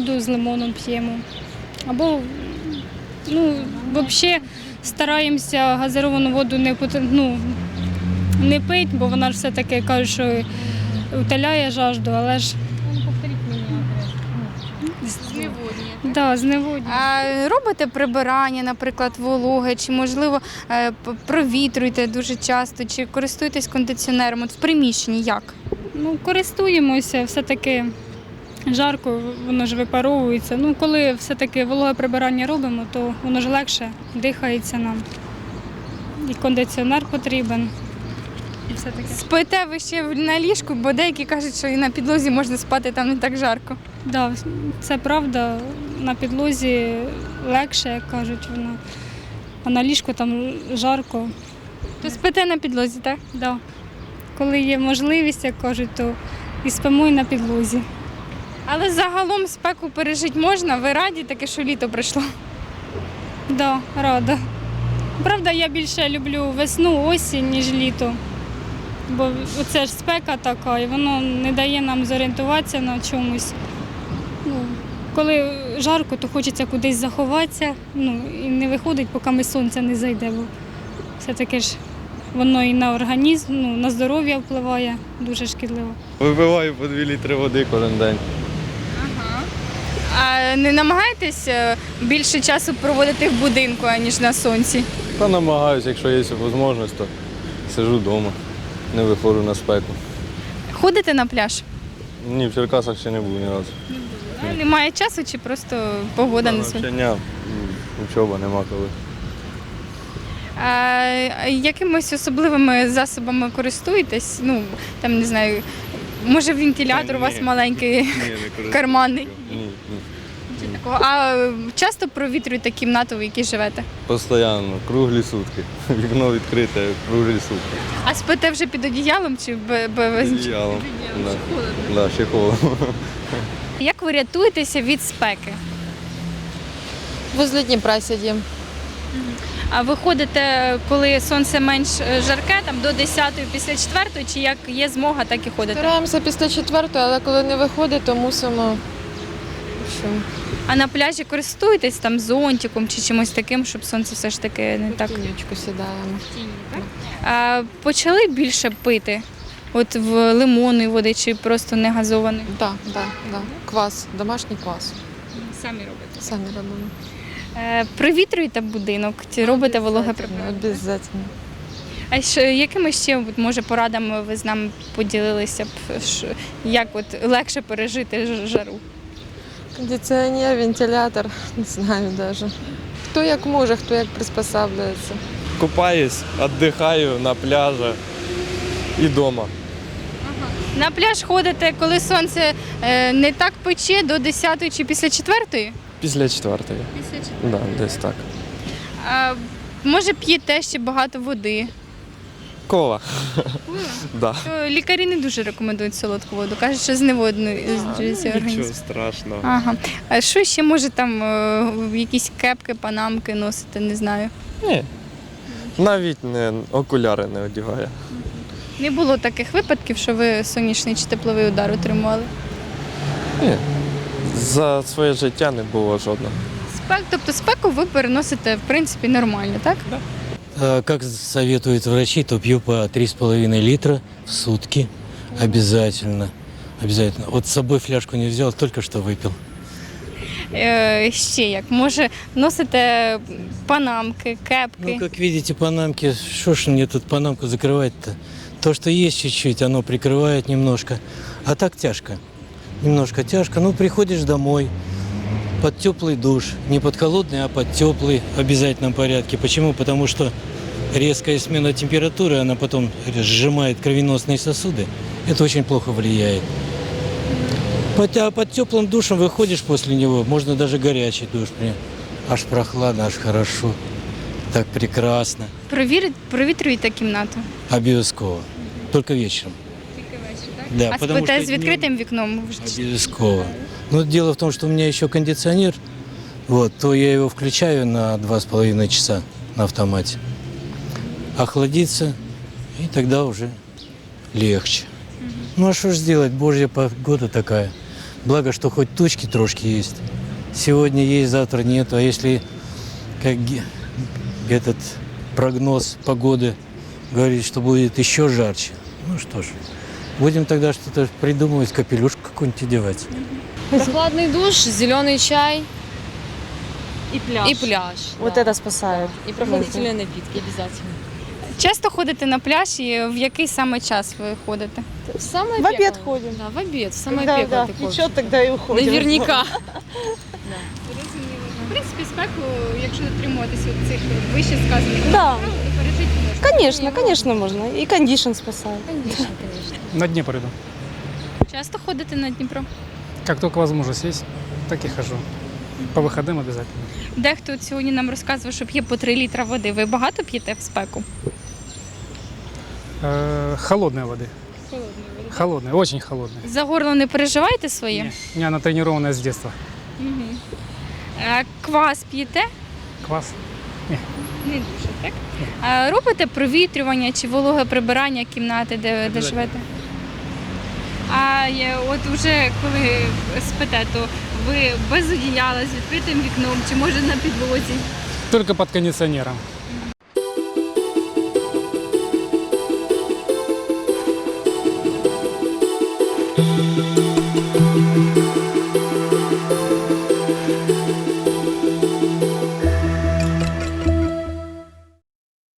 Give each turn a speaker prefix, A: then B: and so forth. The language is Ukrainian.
A: воду з лимоном п'ємо. Або, взагалі стараємося газировану воду не пити, бо вона ж все-таки каже, що утоляє жажду, але ж зневоднює.
B: А робите прибирання, наприклад, вологи, чи, можливо, провітрюєте дуже часто, чи користуєтесь кондиціонером? От в приміщенні як?
A: Користуємося, все-таки жарко, воно ж випаровується. Коли все-таки вологе прибирання робимо, то воно ж легше дихається нам. І кондиціонер потрібен. І все таке.
B: Спите ви ще на ліжку, бо деякі кажуть, що і на підлозі можна спати, там не так жарко.
A: Так, це правда, на підлозі легше, як кажуть, воно. А на ліжку там жарко.
B: То спите на підлозі, так?
A: Да. Коли є можливість, як кажуть, то і спимо і на підлозі.
B: Але загалом спеку пережити можна, ви раді таке, що літо прийшло?
A: Да, рада. Правда, я більше люблю весну, осінь, ніж літо. Бо це ж спека така, і воно не дає нам зорієнтуватися на чомусь. Коли жарко, то хочеться кудись заховатися, і не виходить, поки сонце не зайде. Бо все-таки ж воно і на організм, на здоров'я впливає дуже шкідливо.
C: Випиваю по 2 літри води кожен день.
B: А не намагаєтесь більше часу проводити в будинку, аніж на сонці?
C: Та намагаюся, якщо є можливість, то сиджу вдома, не виходжу на спеку.
B: Ходите на пляж?
C: Ні, в Черкасах ще не був ні разу.
B: Немає часу чи просто погода не
C: Навчання, учоба нема коли.
B: А якимось особливими засобами користуєтесь? Там, не знаю, може вентилятор у вас маленький, карманний?
C: Ні.
B: А часто провітрюєте кімнату, в якій живете?
C: Постійно, круглі сутки. Вікно відкрите, круглі сутки.
B: А спите вже під одіялом чи без?
C: Під одіялом. Да, ще холодно.
B: Як ви рятуєтеся від спеки?
D: Возле Дніпра сидимо.
B: А ви ходите, коли сонце менш жарке, там до 10-ї, після 4-ї, чи як є змога, так і ходите?
D: Стараємося після 4-ї, але коли не виходить, то мусимо.
B: А на пляжі користуєтесь там зонтиком чи чимось таким, щоб сонце все ж таки не так?
D: В тінючку сідаємо.
B: А почали більше пити? От в лимонної води чи просто не газованої?
D: Так. Квас, домашній квас.
B: Самі робите.
D: Самі робимо.
B: Провітрюєте будинок, чи робите вологе прибирання?
D: Обов'язково.
B: А якими ще, може, порадами ви з нами поділилися б, як легше пережити жару?
D: Кондиціонер, вентилятор, не знаю навіть. Хто як може, хто як приспосаблюється.
E: Купаюсь, віддихаю на пляжі і вдома.
B: На пляж ходите, коли сонце не так пече, до 10-ї чи після 4-ї?
E: Після 4-ї. Да, десь так.
B: А, може, п'єте ще багато води?
E: Кола. Да.
B: То лікарі не дуже рекомендують солодку воду, кажуть, що зневоднюється організм.
E: Нічого страшного.
B: Ага. А що ще, може, там якісь кепки, панамки носите, не знаю?
E: Ні. Навіть окуляри не одягаю.
B: Не було таких випадків, що ви сонячний чи тепловий удар отримували?
E: Ні. За своє життя не було жодного.
B: Тобто спеку ви переносите, в принципі, нормально, так?
F: Как советуют врачи, то пью по 3,5 литра в сутки обязательно. Обязательно. Вот с собой фляжку не взял, только что выпил.
B: Ще як? Може, носите панамки, кепки?
F: Ну, как видите, панамки, что ж мне тут панамку закрывать-то? То, что есть чуть-чуть, оно прикрывает немножко. А так тяжко. Немножко тяжко. Ну, приходишь домой под теплый душ. Не под холодный, а под теплый в обязательном порядке. Почему? Потому что резкая смена температуры, она потом сжимает кровеносные сосуды. Это очень плохо влияет. А под теплым душем выходишь после него, можно даже горячий душ. Аж прохладно, аж хорошо. Так прекрасно.
B: Провітрюєте кімнату?
F: Обов'язково. Только вечером. Да,
B: А
F: потому
B: спите
F: что
B: з
F: днем
B: відкритим вікном?
F: Обов'язково. Но дело в том, что у меня еще кондиционер, то я его включаю на 2,5 часа на автомате. Охладится, и тогда уже легче. Ну а что ж сделать, божья погода такая. Благо, что хоть тучки трошки есть. Сегодня есть, завтра нет. А если, как этот прогноз погоды говорит, что будет еще жарче, ну что ж, будем тогда что-то придумывать, капелюшку какую-нибудь одевать.
G: Прохладный душ, зеленый чай
H: И пляж.
G: и пляж.
H: Вот
G: да.
H: это спасает.
G: И прохладительные напитки обязательно.
B: Часто ходите на пляж і в який саме час ви ходите?
G: В самое
H: В обед
G: пекло.
H: ходим.
G: Да, в обед, в самое
H: Когда,
G: пекло
H: да,
G: ты ходишь.
H: течет, тогда и уходим.
G: Наверняка.
B: В принципі, спеку, якщо дотримуватися цих вище сказаних
H: Да.
B: правил, то пережити можна.
H: Конечно, конечно можно. И кондишн спасает.
G: Конечно, конечно.
I: На Днепр иду.
B: Часто ходите на Дніпро?
I: Как только возможность есть, так и хожу. По выходным обязательно.
B: Дехто от сьогодні нам розказував, що п'є по 3 літра води. Ви багато п'єте в спеку?
I: Холодной воды. Холодной, очень холодной.
B: За горло не переживаєте своє?
I: Не, у меня она тренированная с детства.
B: Мгм. Квас п'єте?
I: Квас.
B: Не дуже, так? Робите провітрювання чи вологе прибирання кімнати, де живете? А от уже коли спите, то ви без одіяла, з відкритим вікном, чи може на підлозі?
I: Только под кондиционером.